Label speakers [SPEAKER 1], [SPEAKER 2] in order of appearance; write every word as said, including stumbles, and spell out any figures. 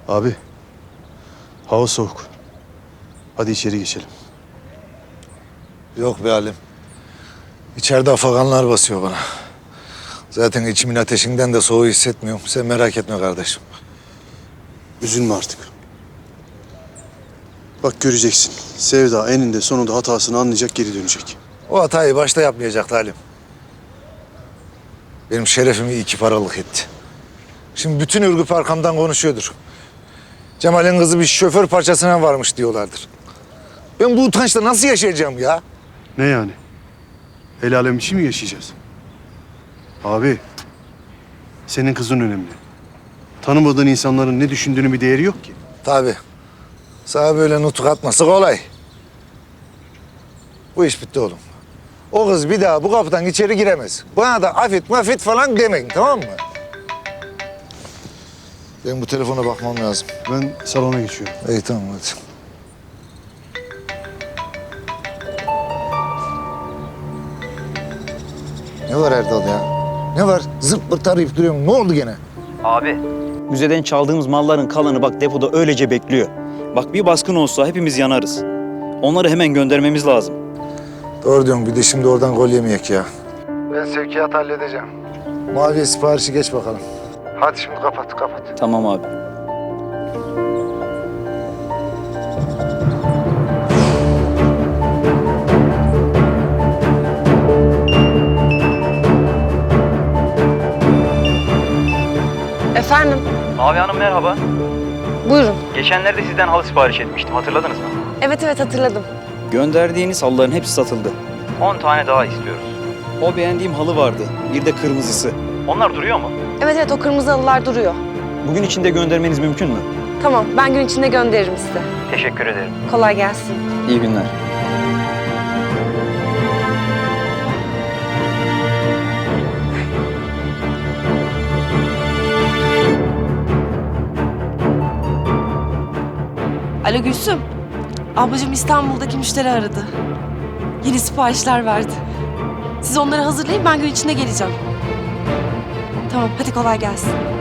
[SPEAKER 1] Abi, hava soğuk. Hadi içeri geçelim.
[SPEAKER 2] Yok be Halim. İçeride afaganlar basıyor bana. Zaten içimin ateşinden de soğuğu hissetmiyorum. Sen merak etme kardeşim.
[SPEAKER 1] Üzülme artık. Bak göreceksin. Sevda eninde sonunda hatasını anlayacak, geri dönecek.
[SPEAKER 2] O hatayı başta yapmayacaktı Halim. Benim şerefimi iki paralık etti. Şimdi bütün Ürgüp arkamdan konuşuyordur. Cemal'in kızı bir şoför parçasına varmış diyorlardır. Ben bu utançla nasıl yaşayacağım ya?
[SPEAKER 1] Ne yani? El alem işi mi yaşayacağız? Abi, senin kızın önemli. Tanımadığın insanların ne düşündüğünün bir değeri yok ki.
[SPEAKER 2] Tabii. Sana böyle nutuk atması kolay. Bu iş bitti oğlum. O kız bir daha bu kapıdan içeri giremez. Bana da afet mafet falan demeyin, tamam mı? Ben bu telefona bakmam lazım.
[SPEAKER 1] Ben salona geçiyorum.
[SPEAKER 2] İyi tamam hadi. Ne var Erdal ya? Ne var? Zırt pırt arayıp duruyorum. Ne oldu gene?
[SPEAKER 3] Abi, müzeden çaldığımız malların kalanı bak depoda öylece bekliyor. Bak bir baskın olsa hepimiz yanarız. Onları hemen göndermemiz lazım.
[SPEAKER 2] Doğru diyorsun. Bir de şimdi oradan gol yemeyek ya. Ben sevkiyat halledeceğim. Maviye siparişi geç bakalım. Hadi şimdi kapat, kapat.
[SPEAKER 3] Tamam abi.
[SPEAKER 4] Efendim,
[SPEAKER 3] Mavi Hanım merhaba.
[SPEAKER 4] buyurun.
[SPEAKER 3] Geçenlerde sizden halı sipariş etmiştim, hatırladınız mı?
[SPEAKER 4] Evet evet hatırladım.
[SPEAKER 3] Gönderdiğiniz halıların hepsi satıldı. on tane daha istiyoruz. O beğendiğim halı vardı, bir de kırmızısı. Onlar duruyor mu?
[SPEAKER 4] Evet evet o kırmızı halılar duruyor.
[SPEAKER 3] Bugün içinde göndermeniz mümkün mü?
[SPEAKER 4] Tamam ben gün içinde gönderirim size.
[SPEAKER 3] Teşekkür ederim.
[SPEAKER 4] Kolay gelsin.
[SPEAKER 3] İyi günler.
[SPEAKER 5] Alo Gülsüm. Ablacığım İstanbul'daki müşteri aradı. Yeni siparişler verdi. Siz onları hazırlayın ben gün içinde geleceğim. Tamam hadi kolay gelsin.